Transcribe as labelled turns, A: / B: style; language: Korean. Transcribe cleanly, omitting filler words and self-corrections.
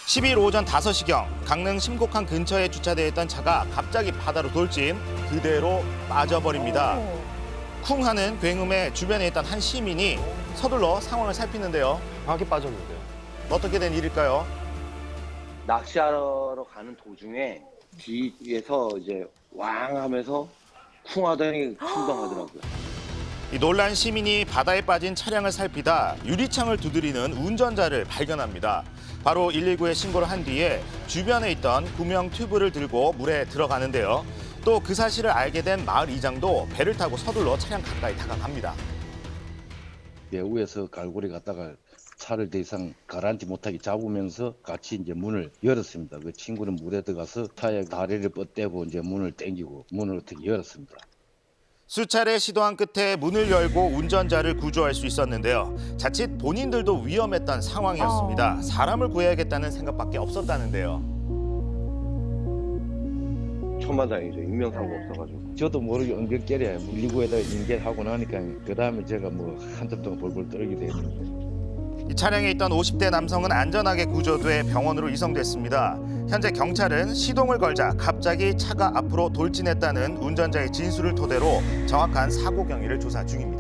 A: 12일 오전 5시경 강릉 심곡항 근처에 주차되어 있던 차가 갑자기 바다로 돌진, 그대로 빠져버립니다. 쿵 하는 굉음에 주변에 있던 한 시민이 서둘러 상황을 살피는데요.
B: 정확히 빠졌는데요.
A: 어떻게 된 일일까요?
C: 낚시하러 가는 도중에 뒤에서 이제 왕 하면서 쿵 하더니 충당하더라고요.
A: 이 놀란 시민이 바다에 빠진 차량을 살피다 유리창을 두드리는 운전자를 발견합니다. 바로 119에 신고를 한 뒤에 주변에 있던 구명 튜브를 들고 물에 들어가는데요. 또 그 사실을 알게 된 마을 이장도 배를 타고 서둘러 차량 가까이 다가갑니다.
D: 배후에서 갈고리 갔다가 차를 더 이상 가라앉지 못하게 잡으면서 같이 이제 문을 열었습니다. 그 친구는 물에 들어가서 차에 다리를 뻗대고 이제 문을 당기고 문을 어떻게 열었습니다.
A: 수차례 시도한 끝에 문을 열고 운전자를 구조할 수 있었는데요. 자칫 본인들도 위험했던 상황이었습니다. 사람을 구해야겠다는 생각밖에 없었다는데요.
C: 천만다행이죠. 인명사고 없어가지고.
D: 저도 모르게 엉겹결에 119에다 인계하고 나니까 그 다음에 제가 뭐 한참 동안 벌벌 떨게 됐는데.
A: 이 차량에 있던 50대 남성은 안전하게 구조돼 병원으로 이송됐습니다. 현재 경찰은 시동을 걸자 갑자기 차가 앞으로 돌진했다는 운전자의 진술을 토대로 정확한 사고 경위를 조사 중입니다.